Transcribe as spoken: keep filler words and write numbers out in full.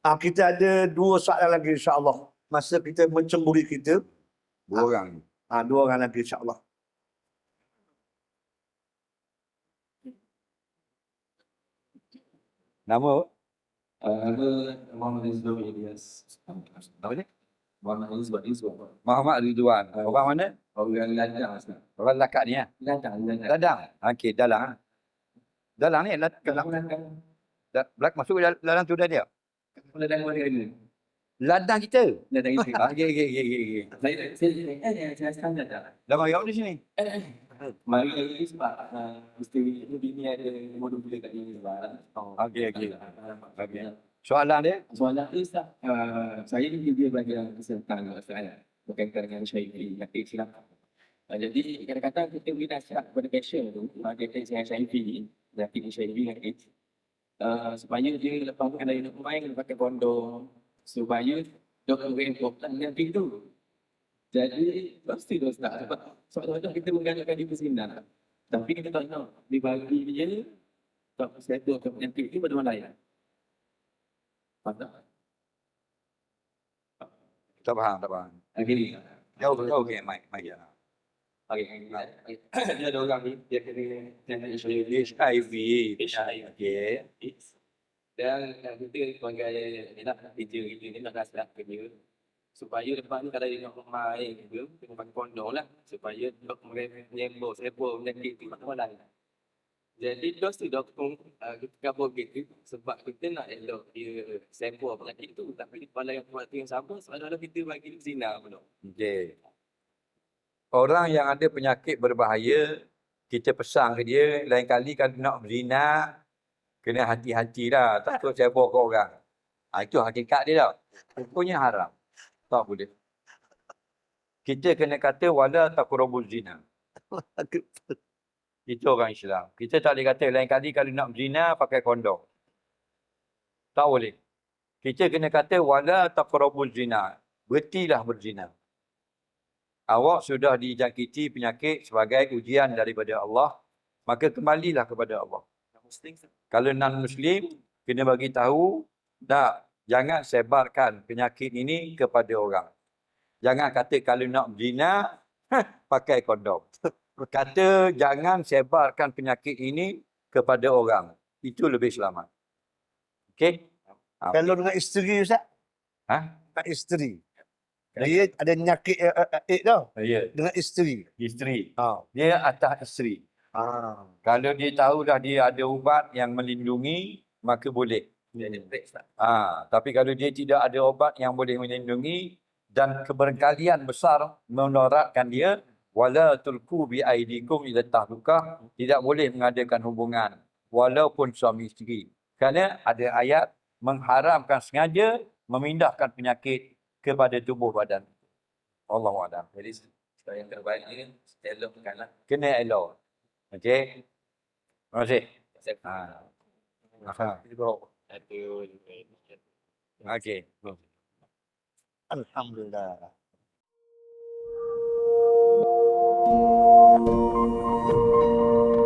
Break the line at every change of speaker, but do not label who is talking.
Ah, kita ada dua soalan lagi insya-Allah. Masa kita mencemburi kita.
Dua
Ah,
orang.
ah, dua orang lagi insya-Allah.
Nama?
Uh, nama Muhammad Rizwan Ilyas.
Apa ni?
Muhammad Rizwan Rizwan.
Muhammad Ridwan. Orang mana?
Orang Ladang.
Orang Lakak ni ya?
Ladang. Ladang.
Ladang. Okey, dalang. ah. Dalang ni, lad- dalang.
Ladang.
Da- Belak masuk dalam, dalam tu dah dia.
Ladang mana ni?
Ladang kita.
Ladang itu.
Okey, okey, okey, okey.
Saya saya eh saya sekarang dah.
Dah mari awak di sini.
Mari lagi sebab uh, mesti bini ada modul boleh kat sini sebab. Oh,
Okey, okey.
Okey.
Soalan dia?
Soalan tu Ustaz, uh, saya ni dia bagi kesempatan soalan berkaitan dengan Syaifi yang Islam. Uh, jadi kadang-kadang kita beri nasihat kepada pasien tu berkaitan dengan Syaifi, penyakit Syaifi dengan AIDS. Uh, supaya dia lepaskan dari nak main pakai kondom supaya doktor renkopkan nanti tu. Jadi pasti tu Ustaz sebab sebab kita menggalakkan dia bersinar. Tapi kita tak tahu dibagi dia tak settle ke penyakit ni pada mana lain. Faham tak?
Tak faham, tak faham.
Okey.
Jauh, jauh okey, mic, mic ya.
Okey. Dia ada orang ni dia kena kena
H I V.
H I V.
Okey.
Dan uh, kita sebagai ni lah teacher kita ni nak nasihat ke dia supaya lepas ni kalau dia nak main ke kena pakai kondom lah supaya dok menyembur sebab penyakit tu tak lain. Jadi dos tu doktor uh, kita cover gitu sebab kita nak elok dia sembur penyakit tu tapi pada yang waktu yang sama seolah-olah kita bagi dia zina pun.
Okey. Orang yang ada penyakit berbahaya, kita pesan ke dia, lain kali kalau nak berzina, kena hati-hati lah. Takut cebok ke orang. Ha, itu hakikat dia tau. Hukumnya haram. Tak boleh. Kita kena kata, wala taqrabuz zina. Itu orang Islam. Kita tak boleh kata, lain kali kalau nak berzina, pakai kondom. Tak boleh. Kita kena kata, wala taqrabuz zina. Berhentilah berzina. Awak sudah dijangkiti penyakit sebagai ujian daripada Allah, maka kembalilah kepada Allah. Kalau non-Muslim, kena bagi tahu, tak, jangan sebarkan penyakit ini kepada orang. Jangan kata kalau nak berzina, pakai kondom. Kata jangan sebarkan penyakit ini kepada orang. Itu lebih selamat. Okey? Ha.
Kalau dengan isteri Ustaz?
Ha?
Dengan isteri. Dia ada penyakit uh, uh, AIDS tau.
Ya,
Dengan isteri.
isteri.
Ha.
Dia atas isteri.
Ah.
Kalau dia tahu dah dia ada ubat yang melindungi, maka boleh.
Dia ada break tak?
Ha, tapi kalau dia tidak ada obat yang boleh melindungi dan keberkalian besar menorakkan dia, wala tulku bi aidikum ila tahlukah, tidak boleh mengadakan hubungan walaupun suami isteri. Kerana ada ayat mengharamkan sengaja memindahkan penyakit kepada tubuh badan. Allahu a'lam.
Jadi supaya yang terbaik ni elokkanlah.
Kena elok. Okey. Terima kasih. Ha. Ha.
Aduh.
Okey.
Alhamdulillah.